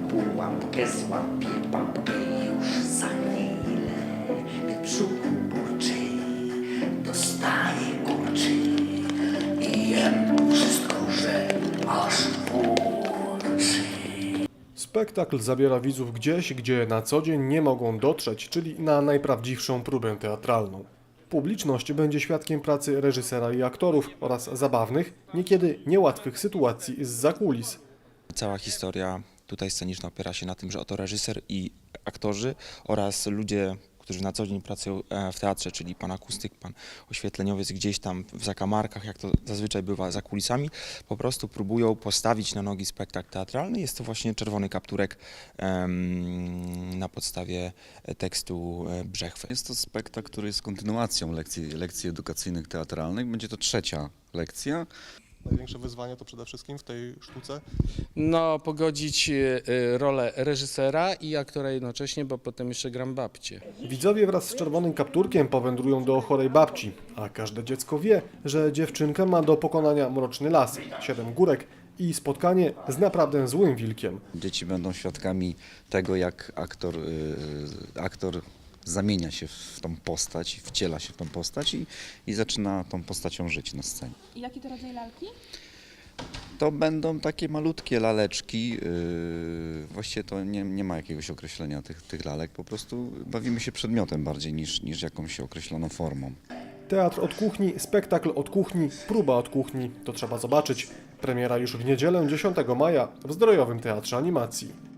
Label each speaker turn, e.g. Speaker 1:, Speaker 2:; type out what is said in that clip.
Speaker 1: pułapkę złapie babkę już za chwilę. Brzuchu burczy, dostaje kurczy i jem wszystko, że aż burczy.
Speaker 2: Spektakl zabiera widzów gdzieś, gdzie na co dzień nie mogą dotrzeć, czyli na najprawdziwszą próbę teatralną. Publiczność będzie świadkiem pracy reżysera i aktorów oraz zabawnych, niekiedy niełatwych sytuacji zza kulis.
Speaker 3: Cała historia tutaj sceniczna opiera się na tym, że oto reżyser i aktorzy oraz ludzie, którzy na co dzień pracują w teatrze, czyli pan akustyk, pan oświetleniowiec gdzieś tam w zakamarkach, jak to zazwyczaj bywa za kulisami, po prostu próbują postawić na nogi spektakl teatralny. Jest to właśnie Czerwony kapturek na podstawie tekstu Brzechwy.
Speaker 4: Jest to spektakl, który jest kontynuacją lekcji edukacyjnych teatralnych. Będzie to trzecia lekcja.
Speaker 2: Największe wyzwanie to przede wszystkim w tej sztuce?
Speaker 5: No, pogodzić rolę reżysera i aktora jednocześnie, bo potem jeszcze gram babcię.
Speaker 2: Widzowie wraz z Czerwonym kapturkiem powędrują do chorej babci, a każde dziecko wie, że dziewczynka ma do pokonania mroczny las, 7 górek i spotkanie z naprawdę złym wilkiem.
Speaker 4: Dzieci będą świadkami tego, jak aktor zamienia się w tą postać, wciela się w tą postać i zaczyna tą postacią żyć na scenie.
Speaker 6: I jaki to rodzaj lalki?
Speaker 4: To będą takie malutkie laleczki, właściwie to nie ma jakiegoś określenia tych lalek, po prostu bawimy się przedmiotem bardziej niż jakąś określoną formą.
Speaker 2: Teatr od kuchni, spektakl od kuchni, próba od kuchni, to trzeba zobaczyć. Premiera już w niedzielę 10 maja w Zdrojowym Teatrze Animacji.